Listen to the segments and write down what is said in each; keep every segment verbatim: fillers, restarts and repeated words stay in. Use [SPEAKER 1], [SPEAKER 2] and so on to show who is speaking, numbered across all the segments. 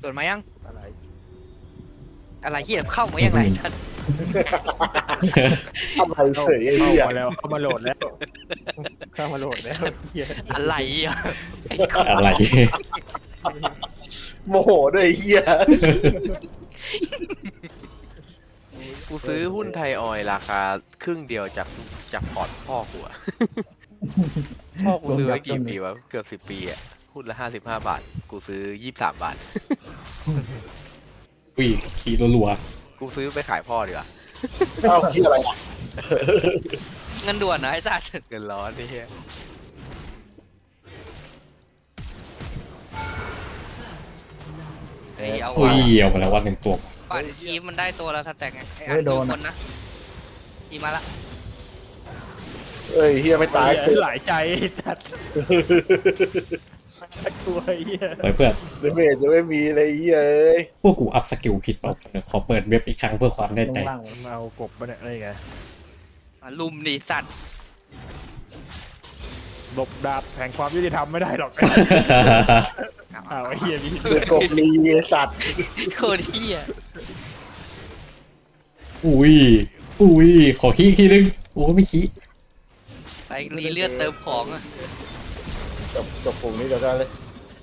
[SPEAKER 1] โดนมายัง
[SPEAKER 2] อะไร
[SPEAKER 1] อะไรเหี้ยเข้ามายังไงท่าน
[SPEAKER 3] ทำไมเฉยไอ้
[SPEAKER 2] เข้า
[SPEAKER 3] เหี้ย
[SPEAKER 2] มาแล้วเข้ามาโหลดแล้วเข้ามาโหลดแล้วเหี้ย
[SPEAKER 1] อะไรอ่ะ
[SPEAKER 4] อะไร
[SPEAKER 3] โมโหด้วยไอ้เหี้ย
[SPEAKER 5] กูซื้อหุ้นไทยออยล์ราคาครึ่งเดียวจากจากพอร์ตพ่อกูอะ พ่อกูซื้อไว้กี่ปีวะเกือบสิบปีอะหุ้นละห้าสิบห้าบาท กูซื้อยี่สิบสามบาท
[SPEAKER 4] อุ้ยขี่รัว
[SPEAKER 5] กูซื้อไปขายพ่อดีกว่า
[SPEAKER 3] เอ้าเหี้ยอะไรอ่ะ
[SPEAKER 1] เงินด่วนนะไอ้สัตว์
[SPEAKER 5] เงินร้อนนี่เฮีย
[SPEAKER 1] เฮ้ยเอา
[SPEAKER 4] ๆอุ้
[SPEAKER 1] ว่ะ
[SPEAKER 4] ยเอามาแล้วว่าหนึ่งตัว
[SPEAKER 1] ปั่นคีฟมันได้ตัวละสแต็กไงไอ้อันดูคนนะอีมาละ
[SPEAKER 3] เอ้ยเหี้ยไม่ตาย
[SPEAKER 2] เหี้หลายใจจัดตัวเหี้ย
[SPEAKER 4] เฮ้ยเพื่อน
[SPEAKER 3] เดเมจจะไม่มีเลยไอ้เหี้ยเอ้ย
[SPEAKER 4] พวกกูอัพสกิลผิดเปล่าเดี๋ยวขอเปิดเว็บอีกครั้งเพื่อความแน่
[SPEAKER 2] ล
[SPEAKER 4] ใจ
[SPEAKER 2] งล่างมันเอากบมาเนี่ยอะไรไง
[SPEAKER 1] มาลุมดิสัตว์
[SPEAKER 2] หลบดาบแห่งความยุติธรรมไม่ได้หรอกอ้าวไอ้เหี้ยนี่
[SPEAKER 3] เดือดกบลีไอ้สัตว์
[SPEAKER 1] โคตรเหี้ย
[SPEAKER 4] อุ้ยอุ้ยขอขี้อีกทีนึงโอ้ไม่ขี้
[SPEAKER 1] ไปรีเลือดเติมของอ่ะ
[SPEAKER 3] จบจบปุ่มนี้เดี๋ยวกันเลย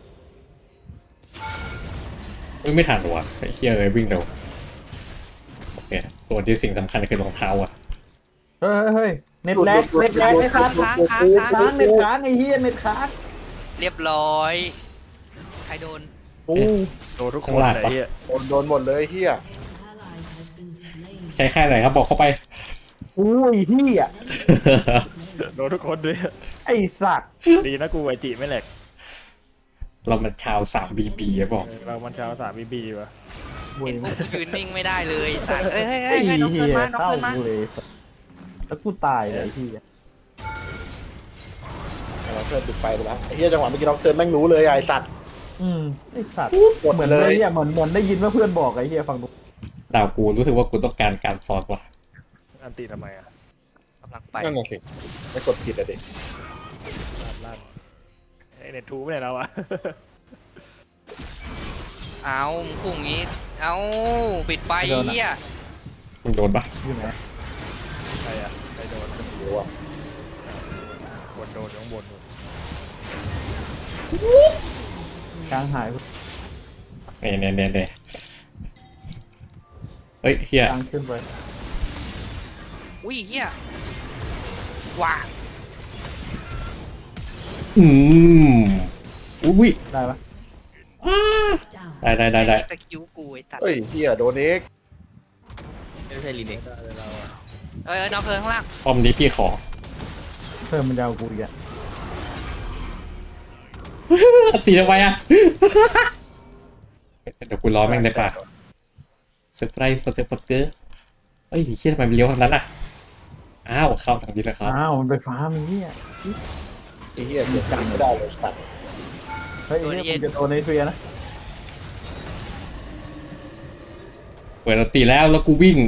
[SPEAKER 4] เอ้ยไม่ทันหรอวะไอ้เหี้ยเลยวิ่งเร็วโอเคตัวที่สิ่งสำคัญคือรองเท้าอ่ะ
[SPEAKER 6] เฮ้ยเฮ้ยเน็ตแลกเน็ตแลกไอ้ค้างค้างค้างค้างเน็ตค้างไอ้เฮียเน็ตค้าง
[SPEAKER 1] เรียบร้อยใครโดน
[SPEAKER 6] โอ้
[SPEAKER 2] โดนทุกคนเลยไอ้เหี้ย
[SPEAKER 3] โดนโดนหมดเลยไอ้เหี้ย
[SPEAKER 4] ใช้ค่ายไหนครับบอกเข้าไป
[SPEAKER 6] อุ้ยเฮีย
[SPEAKER 2] โดนทุกคนด้วย
[SPEAKER 6] ไอ้สัตว์
[SPEAKER 2] ดีนะกูไอจิไม่แหลก
[SPEAKER 4] เรามันชาวสามบีบีบอก
[SPEAKER 2] เรามันเช้าสามบีบีวะ
[SPEAKER 6] เว้ย
[SPEAKER 1] เห็นพวกกูยืนนิ่งไม่ได้เลยสัตว์เอ้ยเฮ้ย
[SPEAKER 6] ไอ้
[SPEAKER 1] เฮ้ยเฮ้ยน้อง
[SPEAKER 6] เฮี
[SPEAKER 1] เกิน
[SPEAKER 6] ย
[SPEAKER 1] มาน้อง
[SPEAKER 6] เข้า
[SPEAKER 1] เกินมา
[SPEAKER 6] กูเลยแล้วกูตายเลยไอ้เฮีย
[SPEAKER 3] เราเพื่อนติดไฟไปแล้วไอ้เหี้ยจังหวะเมื่อกี้น้องเซิร์นแม่งรู้เลยไอ้สัตว์
[SPEAKER 6] อืมไอ้สัตว์
[SPEAKER 3] กด
[SPEAKER 6] เหมือน
[SPEAKER 3] เล
[SPEAKER 6] เลย ยอ่ะเหมือนเหมือนได้ยินว่าเพื่อนบอกไอ้เฮียฟังดู
[SPEAKER 4] ดาวกูรู้สึกว่ากูต้องการการฟอร์ดว่ะ
[SPEAKER 2] อันตีทำไมอ่ะ
[SPEAKER 1] กำลังไป
[SPEAKER 3] นั่นน่ะสิไม่กดผิดอะเด็ก
[SPEAKER 2] ลั่นลั่นไอเน็ตทูไม่ได้แล้วอะ
[SPEAKER 1] เอามึงพุ่งอย่างงี้เอาปิดไฟเหี้ย
[SPEAKER 4] มึงโดนปะ
[SPEAKER 6] อยู่ไหน
[SPEAKER 2] ใครอะใครโดน
[SPEAKER 3] หรือว่า
[SPEAKER 2] คนโดนข้างบน
[SPEAKER 6] กลางหาย
[SPEAKER 4] เน่เน่เน่เน่เฮ้ยเฮีย
[SPEAKER 6] กลางขึ้นไป
[SPEAKER 1] อุ้ยเหี้ยว้า
[SPEAKER 4] อืมอุ้ย
[SPEAKER 6] ได้ปะ
[SPEAKER 4] ได้ได้ได้ได้
[SPEAKER 1] ตะคิวกูไอ้สัตว์
[SPEAKER 3] เฮ้ยเหี้ยโดนเอ็ก
[SPEAKER 1] ไม่ใช่ลีเน็ก
[SPEAKER 2] ได้เลยเราอะ
[SPEAKER 1] เอ้ยเอ้ยน้องเกินข้างล่าง
[SPEAKER 4] ป้อมนี้พี่ขอ
[SPEAKER 6] เพิ่มมันยาวกูอีกอ่ะ
[SPEAKER 4] ตีทำไมอ่ะ เดี๋ยวกูรอแม่งได้ป่ะเซอร์ไพรส์โปรเตอร์โปรเตอร์เฮ้ยเชี่ยทำไมมันเลี้ยวทางนั้นอ่ะอ้าวเข้าทางนี้แล้วครับ
[SPEAKER 6] อ้าวมันไปฟ้ามันเฮีย
[SPEAKER 3] ไอ้เหี้ยเก็บกันไม่ได้เลยสัตว์
[SPEAKER 6] เฮ้ยไอ้เฮียมึงจะโดนในเฟียนะ
[SPEAKER 4] เปิดเราตีแล้วแล้วกูวิ่ง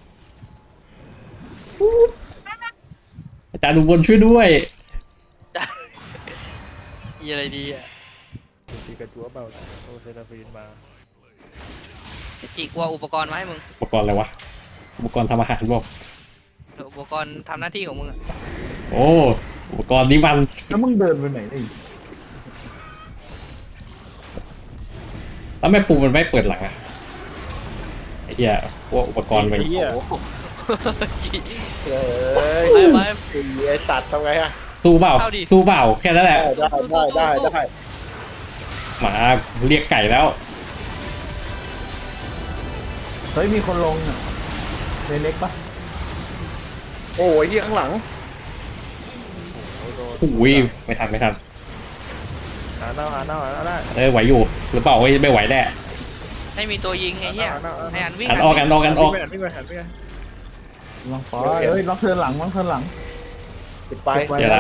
[SPEAKER 4] อาจารย์อุบลช่วยด้วย
[SPEAKER 1] มีอะไรดีอ่ะ
[SPEAKER 2] ตีกระจัวเบาโอเซนาฟีนมา
[SPEAKER 1] จีกลัวอุปกรณ์มาให้มึง
[SPEAKER 4] อุปกรณ์อะไรวะอุปกรณ์ทำอาหารบอก
[SPEAKER 1] อุปกรณ์ทำหน้าที่ของมึงอะ
[SPEAKER 4] โอ้อุปกรณ์นี้มัน
[SPEAKER 6] แล้วมึงเดินไปไหนไอ้
[SPEAKER 4] แล้วแม่ปูมันไม่เปิดหลังอ่ะไอ้เหี้ยพวกอุปกรณ์มัน
[SPEAKER 2] ไอ้เหี้ย
[SPEAKER 3] เอ้ย
[SPEAKER 1] ไปไป
[SPEAKER 3] ไอ้สัตว์ทำไงอะ
[SPEAKER 4] สู้เปล่า
[SPEAKER 1] เข้าดิ
[SPEAKER 4] สู้เปล่าแค่นั้นแห
[SPEAKER 3] ได้
[SPEAKER 4] ละ
[SPEAKER 3] ได้ได้ได้ได้
[SPEAKER 4] หมาเรียกไก่แล้ว
[SPEAKER 6] เฮ้ยมีคนลงอ่ะในเล็กปะ
[SPEAKER 3] โอ้ยเหี้ยข้างหลัง
[SPEAKER 4] อุ้ยไม่ทันไม่ทัน
[SPEAKER 2] หาเน่าหาเน่าหาเน่า
[SPEAKER 4] เออไหวอยู่หรือเปล่าไม่ไม่ไหวแน่
[SPEAKER 1] ไม่มีตัวยิงไอ้เหี้ยไอ้อันวิ่ง
[SPEAKER 4] อันออกกันออกกันออก
[SPEAKER 2] ไม่หันไม่หันไม่หัน
[SPEAKER 6] ลองฟ้าเฮ้ยล็อกเทิร์นหลังล็อกเทิร์นหลัง
[SPEAKER 3] ปิดไฟ
[SPEAKER 6] ปิดไว้
[SPEAKER 4] เดี๋ยวละ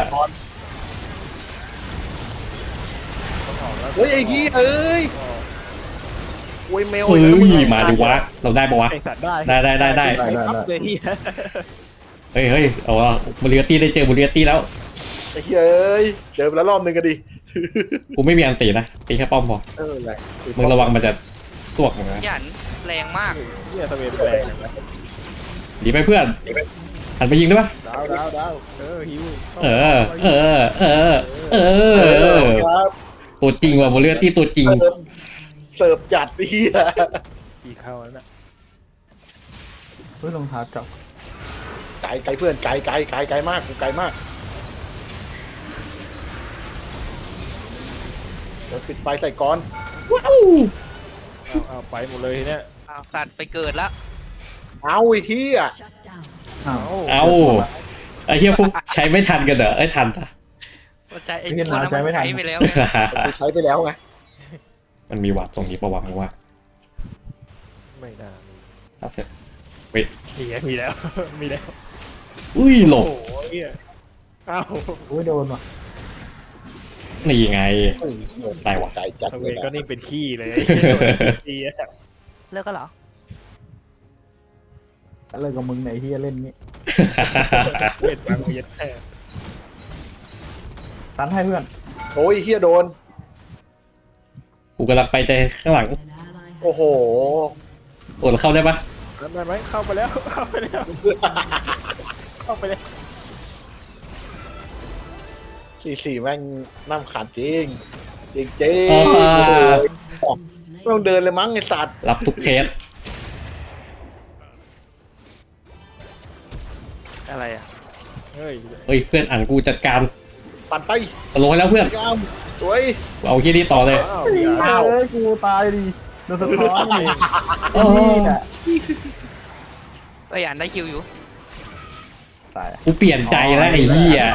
[SPEAKER 3] เฮ้ยไอ้เหี้ยเอ้ยโอ้ยเมล
[SPEAKER 4] เฮ้ยมาดิวะเราได้ปะวะ
[SPEAKER 2] ไอสัตว์ได้
[SPEAKER 4] ได้ได้ได้ได้
[SPEAKER 6] ได้ได้
[SPEAKER 2] ครับ
[SPEAKER 6] ได้
[SPEAKER 2] เลยเหี้ย
[SPEAKER 4] เฮ้ยเฮ้ยเอาว่าบุรีตี้ได้เจอบุรีตี้แล้ว
[SPEAKER 3] ไอ้เหี้ยเอ้ยเจอไปแล้วรอบนึงก็ดิ
[SPEAKER 4] กูไม่มีอันตีนะตีแค่ป้อมพอ
[SPEAKER 3] เออแหละ
[SPEAKER 4] มึงระวังมันจะสวกเหมือนกัน
[SPEAKER 1] หยันแรงมาก
[SPEAKER 2] เฮียสเวนแรงอย่างนั้น
[SPEAKER 4] ดีไปเพื่อนหันไปยิงได้ปะ
[SPEAKER 2] ดาวดาวดาวเออฮิว
[SPEAKER 4] เออ เออ เออ เออ
[SPEAKER 3] ครับ
[SPEAKER 4] ตัวจริงว่ะโมเลียตี้ตัวจริง
[SPEAKER 3] เสิร์ฟเสิร์ฟจัดเฮีย
[SPEAKER 2] กี่เข้าแล้วน่ะ
[SPEAKER 6] เฮ้ยรองเท้าเก่า
[SPEAKER 3] ไกลไกลเพื่อนไกลไกลไกลไกลมากกูไกลมากเดี๋ยวปิดไฟใส่ก้อน
[SPEAKER 2] เอาเอาไปหมดเลยทีเนี้ย
[SPEAKER 1] อ้าวสัตว์ไปเกิดแล้ว
[SPEAKER 3] เอาไอ้เฮีย
[SPEAKER 6] อ้าว
[SPEAKER 4] เอาไอ้เหี้ยพวกใช้ไม่ทันกันเหรอไอ้ยทันปะ
[SPEAKER 1] ว่าใจไอ้ตัวนั้นมันใช้ไปแล้วไง
[SPEAKER 3] กูใช้ไปแล้วไง
[SPEAKER 4] มันมีวัดตรงนี้ประวัติว่า
[SPEAKER 2] ไม่น่ามี
[SPEAKER 4] เอาเสร็จ
[SPEAKER 2] มีไงมีแล้ว มีแล้ว
[SPEAKER 4] อุ้ยหลบ
[SPEAKER 2] โอ้โหเฮียเอ้า
[SPEAKER 6] โอ้ยโดนว่ะ
[SPEAKER 4] นี่ไง
[SPEAKER 3] เฮ้ยเงิน
[SPEAKER 4] ได้วะ
[SPEAKER 3] ไกลจัด
[SPEAKER 2] ส
[SPEAKER 3] เล
[SPEAKER 2] เวย น
[SPEAKER 3] นะ
[SPEAKER 2] ก็นี่เป็นขี้เลยตีอะ
[SPEAKER 1] เลิกก็เหรอ
[SPEAKER 6] อะไรกับมึงไหนเฮียเล่นนี้
[SPEAKER 2] เวทบางเวียนแท้
[SPEAKER 6] ตันให้เพื่อน
[SPEAKER 3] โอ้ยเฮียโดน
[SPEAKER 4] กูกำลังไปแต่ข้างหลัง
[SPEAKER 3] โอ้โห
[SPEAKER 4] โอ้เราเข้าได้ปะ
[SPEAKER 2] ได้ไหมเข้าไปแล้วเข้าไปแล้วเข้าไปแล้ว
[SPEAKER 3] สี่สี่แม่งน้ำขาดจริงจริงจริง
[SPEAKER 4] อ่า
[SPEAKER 3] ไม่ต้องเดินเลยมั้งไอสัตว์
[SPEAKER 4] รับทุกเคส
[SPEAKER 1] อะไรอ่ะ
[SPEAKER 2] เฮ้ย
[SPEAKER 4] เฮ้ยเพื่อนอ่านกูจัดการ
[SPEAKER 3] ปั่นไป
[SPEAKER 4] ลงให้แล้วเพื่อน
[SPEAKER 3] ยามสวย
[SPEAKER 4] เอาที่นี่ต่อเลย
[SPEAKER 2] อ้าว
[SPEAKER 3] อ้าว
[SPEAKER 6] เอ้ยกูตายดิโดนสะท้อนเลย
[SPEAKER 4] โอ้
[SPEAKER 6] นี่น่ะ
[SPEAKER 1] ก็หยันได้คิวอยู่
[SPEAKER 6] ตาย
[SPEAKER 4] กูเปลี่ยนใจแล้วไอ้เหี้ย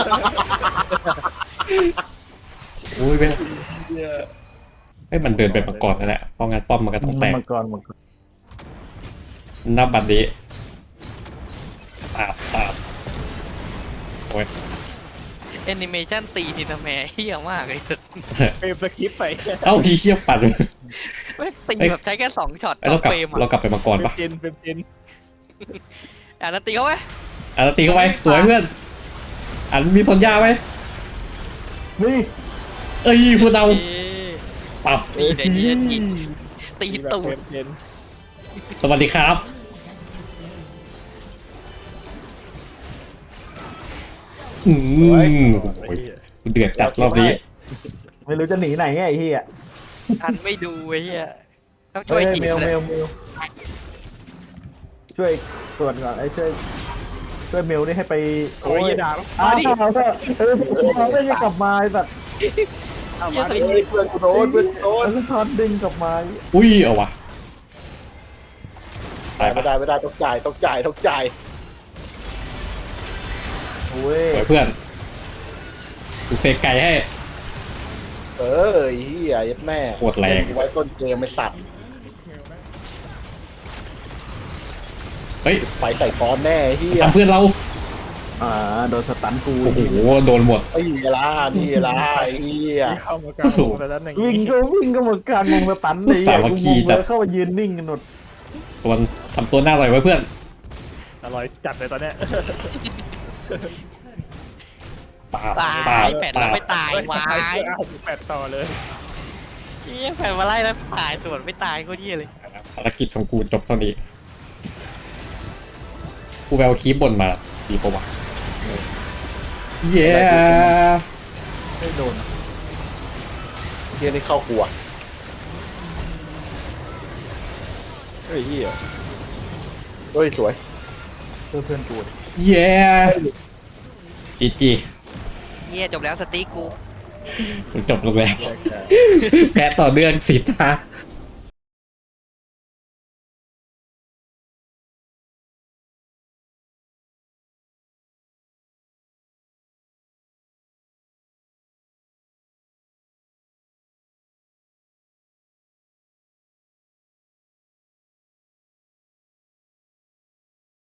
[SPEAKER 4] อุ้ยเป็นไอ้ยมันเดินไปมาก่อนนั่นแหละเพราะงั้นป้อมมันก็ต้องแตก
[SPEAKER 6] มังกรมังกร
[SPEAKER 4] นับบัตรนี้ปาบปาบโอ้ย
[SPEAKER 1] แอนิเมชันตีทีทำแมเฮี้ยมากเลยสุด
[SPEAKER 2] เฟรมสคริปต์ไป
[SPEAKER 4] เอ้าพี่เชี่ยปัด
[SPEAKER 1] ไม่ตีแบบใช้แค่สองช็อต
[SPEAKER 4] ไอ้
[SPEAKER 1] ต่
[SPEAKER 4] เรา
[SPEAKER 1] อก
[SPEAKER 4] ลับ
[SPEAKER 1] เฟรม
[SPEAKER 4] เรา
[SPEAKER 1] อ่ะ
[SPEAKER 4] กลับไปมาก่อน
[SPEAKER 2] เฟรม
[SPEAKER 4] ปะ
[SPEAKER 2] เจนเฟรมเจน
[SPEAKER 1] อ่ะแล้วตีเขาไหม
[SPEAKER 4] อ่ะเราตีเข้าไปสวยเพื่อนอันมีสัญญาไหม
[SPEAKER 6] นี่
[SPEAKER 4] เอ้ยพูดเอา
[SPEAKER 1] เอ๊ะ
[SPEAKER 4] ปับ
[SPEAKER 1] ตีเดี๋ยวนี้ตีตี
[SPEAKER 2] มีแบบ
[SPEAKER 1] ตู
[SPEAKER 2] เฟร
[SPEAKER 1] ด
[SPEAKER 2] มเจน
[SPEAKER 4] สวัสดีครับอืมโอ้ยเดือดจัดรอบนี้
[SPEAKER 6] ไม่รู้จะหนีไหนไงไอ้เฮีย
[SPEAKER 1] ทันไม่ดูไอ้เหี้ยต้องช่
[SPEAKER 6] เฮ้
[SPEAKER 1] วย
[SPEAKER 6] ย
[SPEAKER 1] จีบ
[SPEAKER 6] เมล
[SPEAKER 1] เล
[SPEAKER 6] เม
[SPEAKER 1] ย
[SPEAKER 6] ลเมลช่วยตรวจก่อนไอ้ช่วยช่วยเมลนี่ให้ไป
[SPEAKER 2] โอ้ยอย่าด่า
[SPEAKER 6] อ้า
[SPEAKER 2] มาดิ
[SPEAKER 6] วเถอะเออเขาไม่จะกลับมาไอ้สัตว์
[SPEAKER 2] เอามาดิ
[SPEAKER 3] เฮ้ยเพื่อนกูโดนเพื่อนกูโดน
[SPEAKER 6] แล้วก็ทอนดึงกลับมา
[SPEAKER 4] อุ้ยเอาวะตาย
[SPEAKER 3] ไม่
[SPEAKER 4] ปะ
[SPEAKER 3] ได้ไม่ได้ต้องจ่ายต้องจ่ายต้องจ่าย
[SPEAKER 6] โอ้ย
[SPEAKER 4] สวยเพื่อนกูเซกไก่ให้
[SPEAKER 3] เออไอ้เฮียยัดแม่
[SPEAKER 4] โคตรแรง
[SPEAKER 3] ไว้ต้นเกมไม่สัตว์
[SPEAKER 4] เฮ้ย
[SPEAKER 3] ไฟใส่ก้อนแน่ไอ้เฮีย
[SPEAKER 4] ทำเพื่อนเรา
[SPEAKER 6] อ่าโดนสตันกู
[SPEAKER 4] โอ้โหโดนหมด
[SPEAKER 3] ไอ้ล่ะนี่ล่ะไอ้เฮีย
[SPEAKER 2] เข้ามากลางวงแล้วนั้นอย่าง
[SPEAKER 6] วิ่ง
[SPEAKER 2] นี้
[SPEAKER 6] ก็วิ่งก็หมดการมองสตันเลย
[SPEAKER 4] สามัคคี
[SPEAKER 6] กูงง
[SPEAKER 4] จั
[SPEAKER 6] เล
[SPEAKER 4] ด
[SPEAKER 6] ยเข้ามายืนนิ่งกันหมด
[SPEAKER 4] ตัวมันทำตัวหน้าอร่อยไว้เพื่อน
[SPEAKER 2] อร่อยจัดเลยตอนเนี้ย
[SPEAKER 4] ปาบ
[SPEAKER 1] ตา
[SPEAKER 4] ปาบ
[SPEAKER 1] ยแฝดเราไม่ตายวาย
[SPEAKER 2] เอาแปดต่อเลย
[SPEAKER 1] เฮี้ยแฝดมาไล่แล้วตายส่วนไม่ตายโคตรเฮี้ยเลย
[SPEAKER 4] ภารกิจของกูจบเท่านี้กูแววคีบบนมาดีปะวะเย้
[SPEAKER 6] ไม่โดน
[SPEAKER 3] เฮียนี่เข้าครัว
[SPEAKER 2] เฮ้ยเฮีย
[SPEAKER 3] เฮ้ยสวย
[SPEAKER 6] เพื่อนเพื่อนกู
[SPEAKER 4] เย้จีจี
[SPEAKER 1] เฮี้ยจบแล้วสตีกู
[SPEAKER 4] จบลงแล้วแพ้ต่อเนื่องสิตา